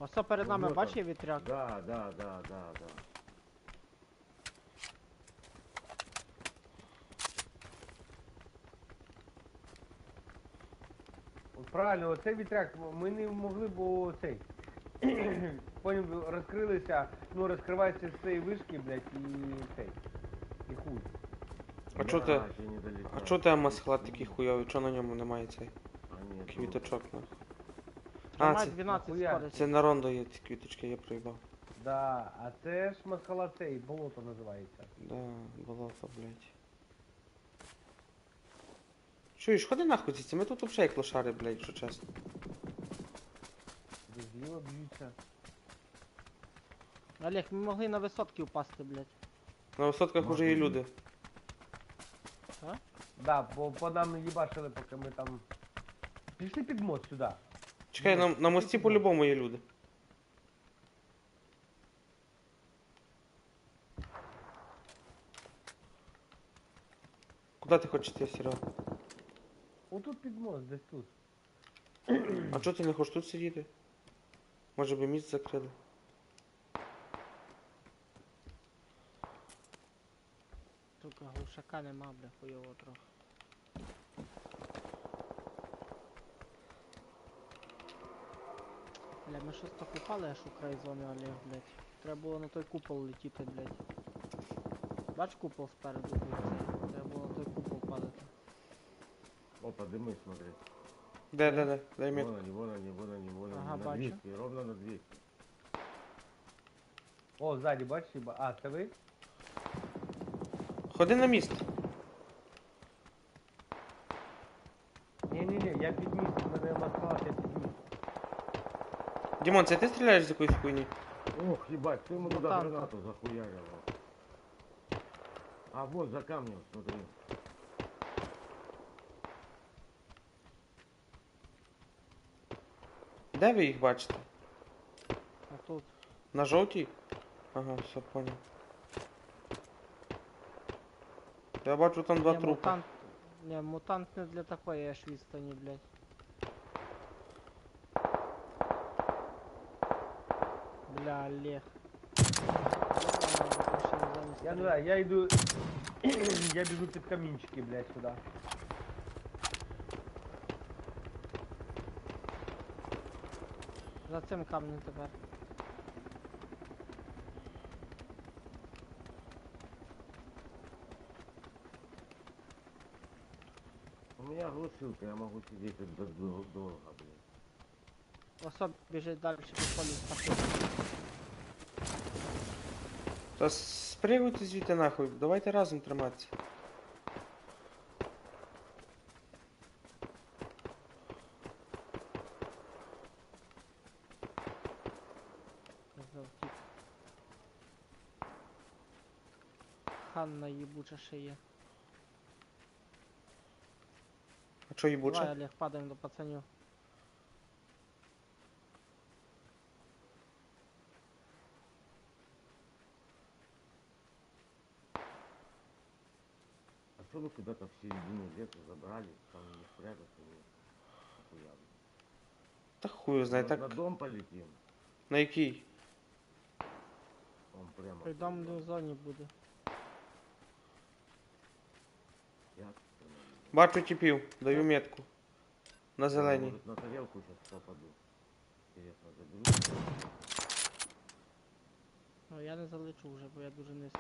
Ось перед нами, Вот бач, он. є вітряк. Да. От правильно, оцей вітряк, ми не могли, бо цей. Потім розкрилися, ну розкривається з цієї вишки, блядь, і цей. І хуй. А чо ти? Блядь, я не долетаю. А чо ти масхалат такий хуйовий? Чо на ньому немає цей А ні, квіточок? Нахуй? Тримай це- 12 нахуя? скорості. Це на рондо є ці квіточки, я проїбав. Да, а це ж масхала цей, болото називається. Да, болото, блядь. Чуєш, ходи нахуй звідси, ми тут взагалі як лошари, блядь, якщо чесно. Де зліва б'ються. Олег, ми могли на висотки впасти, блядь. На висотках уже є люди. Да, бо по нам їбашили, поки ми там. Пішли під мост сюди. Чекай, на мості по-любому є люди. Куди ти хочеш йти, Серега? Отут під мост, десь тут. А чого ти не хочеш тут сидіти? Може би місць закрили? Сука, глушака нема, бля, хуйово трохи. Бля, ми щось так упали аж у край зони, Олег, блядь. Треба було на той купол летіти, блядь. Бач купол спереду був цей. Треба було на той купол падати. Опа, дими, смотри. Де? Дай мені. Вон они. Ага, На бачу. 200, ровно на 200. О, ззаді, бачиш? А, це ви? Ходи на міст. Ні, я під міст, в мене масхала, я під міст. Дімон, це ти стріляєш з якоїсь хуйні? Ох, ебать, ты ему Ну, туда там-то. гранату захуярил. А вот за камнем, смотри. Де ви їх бачите? А тут. На жовтій? Ага, все, понял. Я бачу там два Ні, трупи. мутант. Ні, мутант не для такої аж відстані, блядь. Бля, Олег. Я не знаю, я иду... я бегу под каминчики, блядь, сюда. За цим камнем тепер. У меня глушилка, я могу сидеть тут долго, блядь. Особ біжить далі по полю спасти. Та спригуйте звідти нахуй, давайте разом триматися. Завтік. Ханна їбуча ще є. А чо їбуче? Давай, Олег, падаємо до пацанів. А что вы куда-то в середину леса забрали, там не спрятаться, не охуенно. Та хуй знає, На так. дом полетим, На який? он прямо. Придомлю в зоні буде. Я... Бачу тіпів, даю метку. На зеленій. Может, на тарелку сейчас попаду. Интересно, заберу. Ну я не залечу вже, бо я дуже низько.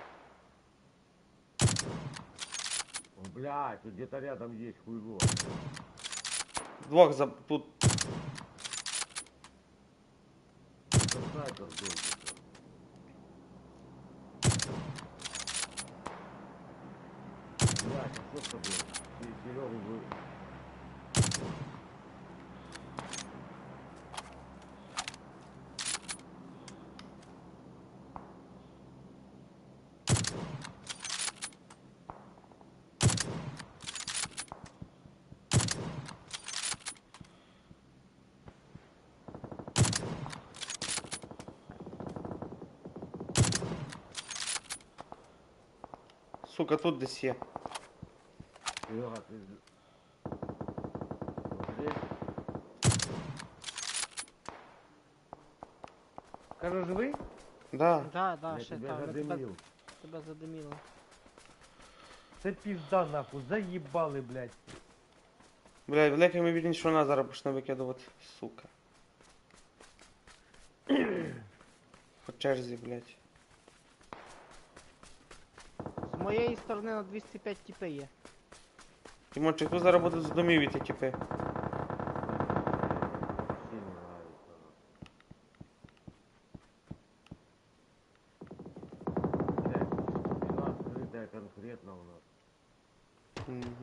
О, блядь, тут где-то рядом есть хуйло. Двох тут. Это снайпер был. Блядь, а что с тобой? Серегу вы... Сука, тут десь є. Серега, ты... Смотри. Кажу, живий? Да. Да, да, Я ще тебя там. Ми задымил. тебе задиміло. Це пізда нахуй, заїбали, блядь. Блядь, велика ймовірність, що вона зараз почне викидувати, сука. По черзі, блядь. З моєї сторони на 205 тіпи є. Тимончик, тут зараз будуть з домів іти тіпи. Вообще не нравится. Блядь, спина открытая конкретно у нас. Мгм.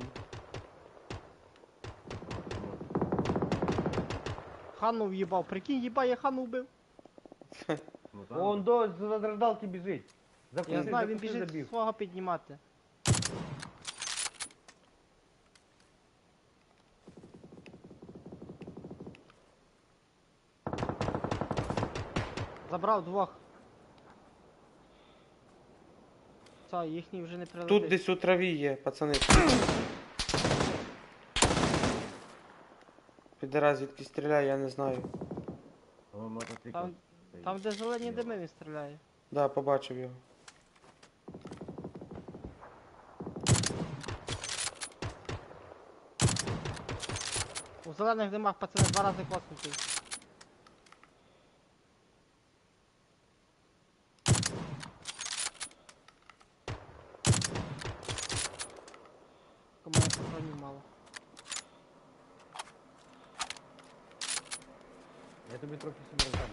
Хану в'їбав. Прикинь, їба, я хану вбив. Ну, там Он до возрождалки біжить. Я Закуси, знаю, він закуси, біжить забіг. свого піднімати. Забрав двох. Все, їхній вже не прилетить. Тут десь у траві є, пацани. Підара звідки стріляє, я не знаю. мотоцикл. Там, стоит. там де зелені Слева. дими він стріляє. Да, побачив його. У зелених димах пацани 2 рази коснутий. У мене патронів мало. Я тобі трохи сім роздам.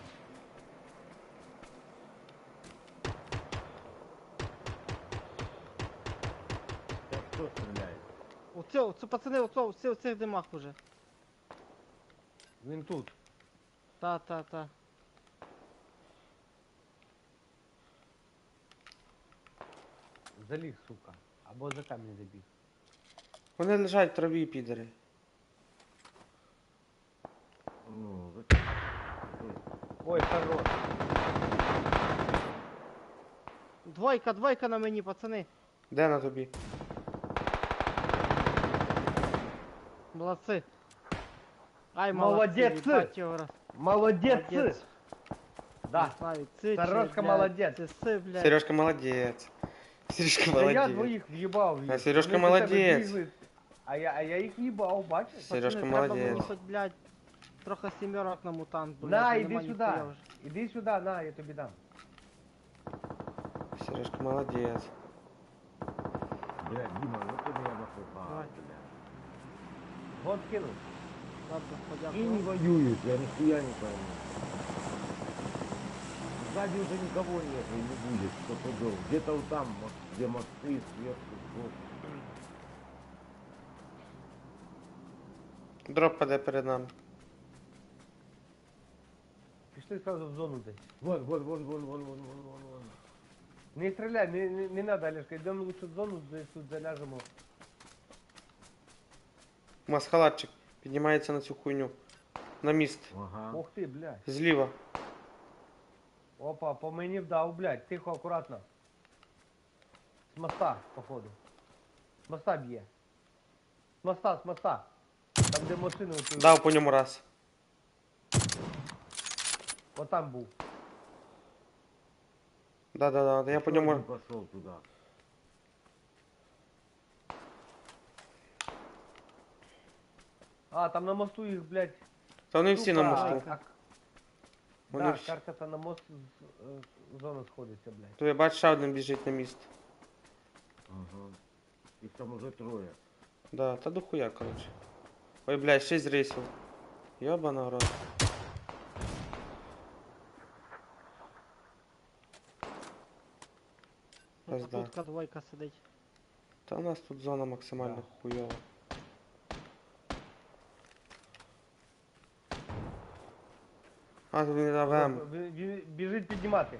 Сейчас кто стреляет? Оце пацани, у цих димах уже. Він тут. Та. Заліг, сука. Або за камінь забіг. Вони лежать в траві, підари. Ну, зачем? Стой. Ой, хорош. Двойка на мені, пацани. Де на тобі? Молодці. Ай, Молодець! молодці, їбать його раз. Молодець! Да. Не знаю, це Сережка чи, блядь, молодець. Це си, блядь. Сережка молодець. Сережка Та я молодець. двоїх в'їбав. А Сережка Вони до тебе молодець. бігли, А я їх в'їбав, бачиш? Пацани, Сережка треба мені молодець. хоч, блядь, трохи сімерок на мутант, блядь. На, бо іди нема сюди. ніхуя вже. Іди сюди, на, я тобі дам. Сережка молодець. Блядь, Дима, ну ты меня напугал, Давай. блядь. Вон кинув. Ладно, И не подякую. воюют, я нихуя не пойму. Сзади уже никого нет и не будет, кто пойдет. Где-то вот там, где мосты, сверху, сбоку. Дроп паде перед нами. Пішли сразу в зону десь. Вон. Не стріляй, не надо, Олежка, йдемо лучше в зону, десь тут заляжемо. Масхалатчик піднімається на цю хуйню. На міст. Ага. Ох ти, блядь. Зліва. Опа, по мені вдав, блядь, тихо, акуратно. З моста, походу. З моста б'є. З моста. Там, де машини оті. Дав по ньому раз. Отам був. Да, я по ньому. Пошел туда. А, там на мосту їх, блядь. Та вони всі на сука, мосту. Вони Да, всі. карта на мост зона сходиться, блядь. То я бачу, ще один біжить на міст. Ага. Их там уже трое. Да, та дохуя, коротше. Ой, блядь, 6 рейсів. Йобана рот. Пизда. Тут двойка сидить. Та у нас тут зона максимально Да. хуйова. А, тут він АВМ. Біжить піднімати.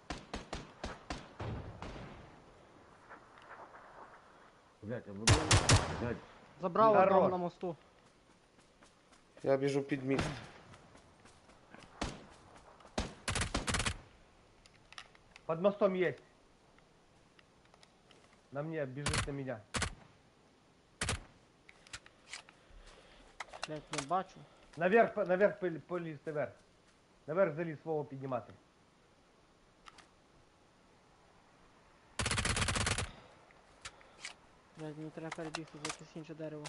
Блядь, а вы блядь, Забрав Здорово. одного на мосту. Я біжу під міст. Под мостом есть. На мне, бежит на меня. Блядь, не бачу. Наверх поліз, наверх. Наверх заліз свого піднімати. Блядь, мені треба перебігти за якесь інше дерево.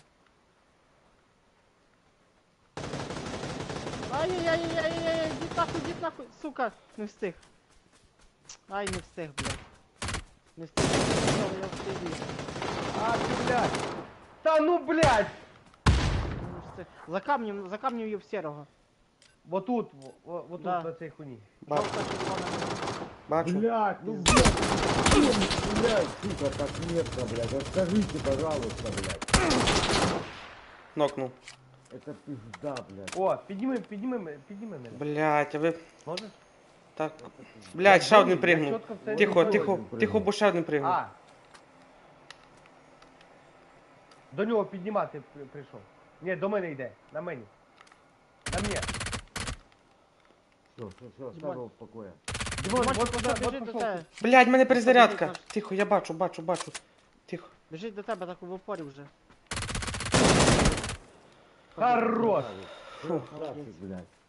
Ай-яй-яй-яй-яй-яй, йдіть нахуй, сука! Не встиг. Ай, не встиг, блядь. Не встиг, я встиг. А, ти, блядь! Та ну, блядь! Не встиг. За камнем є в серого. Вот тут, вот тут, Да. на цій хуйні. Бачу, Жовта червона. бачу. Блядь, ну блядь, блядь, сука, так метко, блядь. Расскажите, пожалуйста, блядь. Нокнув. Это пизда, блядь. О, підніми мене. Блядь, а ви... Можеш? Так. Блядь, ще один Я пригнув. чітко в це Тихо, не тихо, пригнув. тихо, бо ще один пригнув. А. До нього піднімати прийшов. Ні, до мене йде. На мені. На мені. Все, оставь Димон. его в покое. Димон, Димон, вот пішов, туди, біжить вот до пішов. тебе. Блядь, в мене перезарядка. Наш. Тихо, я бачу. Тихо. Біжить до тебе, так в упорі вже. Хорош. Красавчик, блядь.